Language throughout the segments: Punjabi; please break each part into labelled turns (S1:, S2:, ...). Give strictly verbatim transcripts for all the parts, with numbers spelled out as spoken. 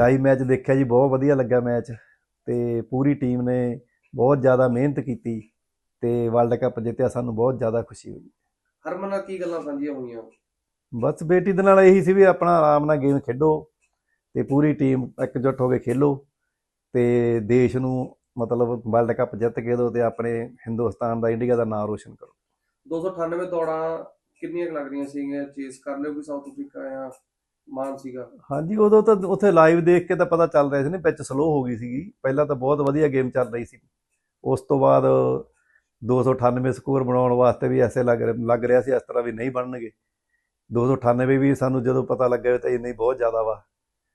S1: ਲਾਈਵ ਮੈਚ ਦੇਖਿਆ ਜੀ, ਬਹੁਤ ਵਧੀਆ ਲੱਗਾ ਮੈਚ। ਤੇ ਪੂਰੀ ਟੀਮ ਨੇ ਬਹੁਤ ਜ਼ਿਆਦਾ ਮਿਹਨਤ ਕੀਤੀ ਤੇ ਵਰਲਡ ਕੱਪ ਜਿੱਤਿਆ, ਸਾਨੂੰ ਬਹੁਤ ਜ਼ਿਆਦਾ ਖੁਸ਼ੀ ਹੋਈ।
S2: ਹਰਮਨ ਨਾਲ ਕੀ ਗੱਲਾਂ ਸਾਂਝੀਆਂ ਹੋਈਆਂ?
S1: ਬਸ ਬੇਟੀ ਦੇ ਨਾਲ ਇਹੀ ਸੀ ਵੀ ਆਪਣਾ ਆਰਾਮ ਨਾਲ ਗੇਮ ਖੇਡੋ ਤੇ ਪੂਰੀ ਟੀਮ ਇਕਜੁੱਟ ਹੋ ਕੇ ਖੇਲੋ ਤੇ ਦੇਸ਼ ਨੂੰ ਮਤਲਬ ਵਰਲਡ ਕੱਪ ਜਿੱਤ ਕੇ ਦਿਓ ਤੇ ਆਪਣੇ ਹਿੰਦੁਸਤਾਨ ਦਾ, ਇੰਡੀਆ ਦਾ ਨਾਮ ਰੋਸ਼ਨ ਕਰੋ।
S2: ਦੋ ਸੌ ਅਠਾਨਵੇਂ ਦੌੜਾਂ ਕਿੰਨੀਆਂ ਕੁ ਲੱਗ ਰਹੀਆਂ ਸੀਗੀਆਂ? ਚੇਸ ਕਰ ਲਿਓ ਕਿ ਸਾਊਥ ਅਫਰੀਕਾ ਜਾਂ ਮਾਨ ਸੀਗਾ?
S1: ਹਾਂਜੀ, ਉਦੋਂ ਤਾਂ ਉੱਥੇ ਲਾਈਵ ਦੇਖ ਕੇ ਤਾਂ ਪਤਾ ਚੱਲ ਰਿਹਾ ਸੀ ਨਾ, ਪਿੱਚ ਸਲੋ ਹੋ ਗਈ ਸੀਗੀ। ਪਹਿਲਾਂ ਤਾਂ ਬਹੁਤ ਵਧੀਆ ਗੇਮ ਚੱਲ ਰਹੀ ਸੀ, ਉਸ ਤੋਂ ਬਾਅਦ ਦੋ ਸੌ ਅਠਾਨਵੇਂ ਸਕੋਰ ਬਣਾਉਣ ਵਾਸਤੇ ਵੀ ਐਸੇ ਲੱਗ ਲੱਗ ਰਿਹਾ ਸੀ ਇਸ ਤਰ੍ਹਾਂ ਵੀ ਨਹੀਂ ਬਣਨਗੇ। ਦੋ ਸੌ ਅਠਾਨਵੇਂ ਵੀ ਸਾਨੂੰ ਜਦੋਂ ਪਤਾ ਲੱਗਿਆ ਤਾਂ ਇੰਨੀ ਬਹੁਤ ਜ਼ਿਆਦਾ ਵਾ,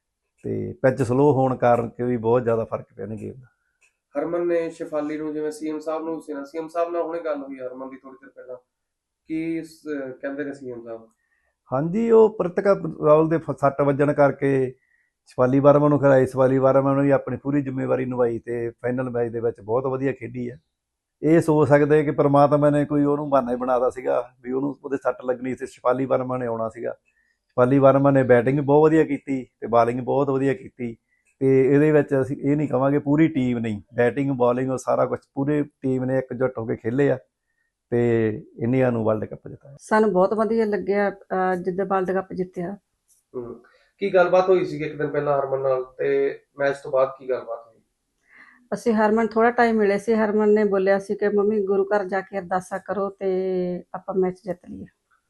S1: ਤੇ ਪਿੱਚ ਸਲੋ ਹੋਣ ਕਾਰਨ ਕਿ ਵੀ ਬਹੁਤ ਜ਼ਿਆਦਾ ਫਰਕ ਪਿਆ ਨਹੀਂ ਗੇਮ ਦਾ।
S2: ਹਰਮਨ ਨੇ ਸ਼ੇਫਾਲੀ ਨੂੰ, ਜਿਵੇਂ ਸੀਐਮ ਸਾਹਿਬ ਨੂੰ ਸੀ ਨਾ, ਸੀਐਮ ਸਾਹਿਬ ਨਾਲ ਹੁਣੇ ਗੱਲ ਹੋਈ ਹਰਮਨ ਦੀ ਥੋੜੀ ਦੇਰ ਪਹਿਲਾਂ, ਕੀ ਕਹਿੰਦੇ ਨੇ ਸੀਐਮ ਸਾਹਿਬ?
S1: ਹਾਂਜੀ, ਉਹ ਪ੍ਰਿਤਿਕਾ ਰਾਹੁਲ ਦੇ ਸੱਟ ਵੱਜਣ ਕਰਕੇ ਸ਼ਿਫਾਲੀ ਵਰਮਾ ਨੂੰ ਖਿਲਾਈ। ਸ਼ਿਫਾਲੀ ਵਰਮਾ ਨੇ ਵੀ ਆਪਣੀ ਪੂਰੀ ਜ਼ਿੰਮੇਵਾਰੀ ਨਿਭਾਈ ਤੇ ਫਾਈਨਲ ਮੈਚ ਦੇ ਵਿੱਚ ਬਹੁਤ ਵਧੀਆ ਖੇਡੀ ਹੈ। ਇਹ ਸੋਚ ਸਕਦੇ ਕਿ ਪਰਮਾਤਮਾ ਨੇ ਕੋਈ ਉਹਨੂੰ ਬਹਾਨਾ ਹੀ ਬਣਾਤਾ ਸੀਗਾ ਵੀ ਉਹਨੂੰ ਉਹਦੇ ਸੱਟ ਲੱਗਣੀ ਸੀ, ਸ਼ਿਫਾਲੀ ਵਰਮਾ ਨੇ ਆਉਣਾ ਸੀਗਾ। ਸ਼ਿਫਾਲੀ ਵਰਮਾ ਨੇ ਬੈਟਿੰਗ ਬਹੁਤ ਵਧੀਆ ਕੀਤੀ ਤੇ ਬਾਲਿੰਗ ਬਹੁਤ ਵਧੀਆ ਕੀਤੀ ਤੇ ਇਹਦੇ ਵਿੱਚ ਅਸੀਂ ਇਹ ਨਹੀਂ ਕਹਾਂਗੇ, ਪੂਰੀ ਟੀਮ ਨਹੀਂ, ਬੈਟਿੰਗ ਬਾਲਿੰਗ ਉਹ ਸਾਰਾ ਕੁਝ ਪੂਰੀ ਟੀਮ ਨੇ ਇਕਜੁੱਟ ਹੋ ਕੇ ਖੇਲੇ ਆ ਤੇ ਇੰਡੀਆ ਨੂੰ ਵਰਲਡ ਕੱਪ ਜਿਤਾਇਆ।
S3: ਸਾਨੂੰ ਬਹੁਤ ਵਧੀਆ ਲੱਗਿਆ ਜਿੱਦਾਂ ਵਰਲਡ ਕੱਪ ਜਿੱਤਿਆ।
S2: ਹੂੰ, ਕੀ ਗੱਲਬਾਤ ਹੋਈ ਸੀ ਇੱਕ ਦਿਨ ਪਹਿਲਾਂ ਹਰਮਨ ਨਾਲ ਤੇ ਮੈਚ ਤੋਂ ਬਾਅਦ ਕੀ ਗੱਲਬਾਤ ਹੋਈ?
S3: ਅਸੀਂ ਹਰਮਨ ਥੋੜਾ ਟਾਈਮ ਮਿਲੇ ਸੀ। ਹਰਮਨ ਨੇ ਬੋਲਿਆ ਸੀ ਕਿ ਮੰਮੀ ਗੁਰੂ ਘਰ ਜਾ ਕੇ ਅਰਦਾਸਾ ਕਰੋ ਤੇ ਆਪਾਂ ਮੈਚ ਜਿੱਤ ਲਈਏ।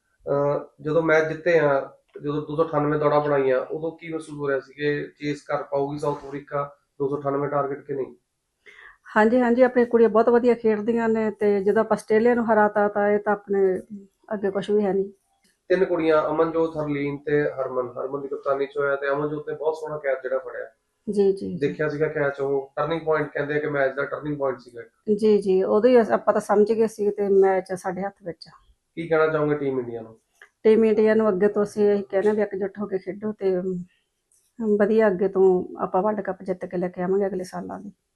S2: ਜਦੋਂ ਮੈਚ ਜਿੱਤੇ ਆ, ਜਦੋਂ ਦੋ ਸੌ ਅਠਾਨਵੇਂ ਦੌੜਾਂ ਬਣਾਈਆਂ, ਉਦੋਂ ਕੀ ਮਹਿਸੂਸ ਹੋ ਰਿਹਾ ਸੀ ਕਿ ਚੇਸ ਕਰ ਪਾਊਗੀ ਸਾਊਥ ਅਫਰੀਕਾ ਦੋ ਸੌ ਅਠਾਨਵੇਂ ਟਾਰਗੇਟ ਕਿ ਨਹੀਂ?
S3: ਹਾਂਜੀ ਹਾਂਜੀ, ਆਪਣੀਆਂ ਕੁੜੀਆਂ ਬਹੁਤ ਵਧੀਆ ਖੇਡਦੀਆਂ ਨੇ ਤੇ ਜਦੋਂ ਆਪਾਂ ਆਸਟ੍ਰੇਲੀਆ ਨੂੰ ਹਰਾਤਾ ਤਾਂ ਇਹ ਤਾਂ ਆਪਣੇ ਅੱਗੇ ਕੁਝ ਵੀ ਹੈ ਨਹੀਂ।
S2: ਤਿੰਨ ਕੁੜੀਆਂ, ਅਮਨਜੋਤ, ਹਰਲੀਨ ਤੇ ਹਰਮਨ, ਹਰਮਨ ਦੀ ਕਪਤਾਨੀ ਚ ਹੋਇਆ ਤੇ ਅਮਨਜੋਤ ਨੇ ਬਹੁਤ ਸੋਹਣਾ ਕੈਚ ਜਿਹੜਾ ਫੜਿਆ।
S3: ਜੀ ਜੀ
S2: ਦੇਖਿਆ ਸੀਗਾ ਕੈਚ, ਉਹ ਟਰਨਿੰਗ ਪੁਆਇੰਟ ਕਹਿੰਦੇ ਆ ਕਿ ਮੈਚ ਦਾ ਟਰਨਿੰਗ ਪੁਆਇੰਟ ਸੀਗਾ।
S3: ਜੀ ਜੀ, ਉਦੋਂ ਹੀ ਆਪਾਂ ਤਾਂ ਸਮਝ ਗਏ ਸੀ ਤੇ ਮੈਚ ਸਾਡੇ ਹੱਥ ਵਿੱਚ।
S2: ਕੀ ਕਹਿਣਾ ਚਾਹੋਗੇ ਟੀਮ ਇੰਡੀਆ ਨੂੰ?
S3: ਟੀਮ ਇੰਡੀਆ ਨੂੰ ਅੱਗੇ ਤੋਂ ਅਸੀਂ ਇਹੀ ਕਹਿੰਦੇ ਵੀ ਇਕਜੁੱਟ ਹੋ ਕੇ ਖੇਡੋ ਤੇ ਵਧੀਆ ਅੱਗੇ ਤੋਂ ਆਪਾਂ ਵਰਲਡ ਕੱਪ ਜਿੱਤ ਕੇ ਲੈ ਕੇ ਆਵਾਂਗੇ ਅਗਲੇ ਸਾਲਾਂ ਦੀ।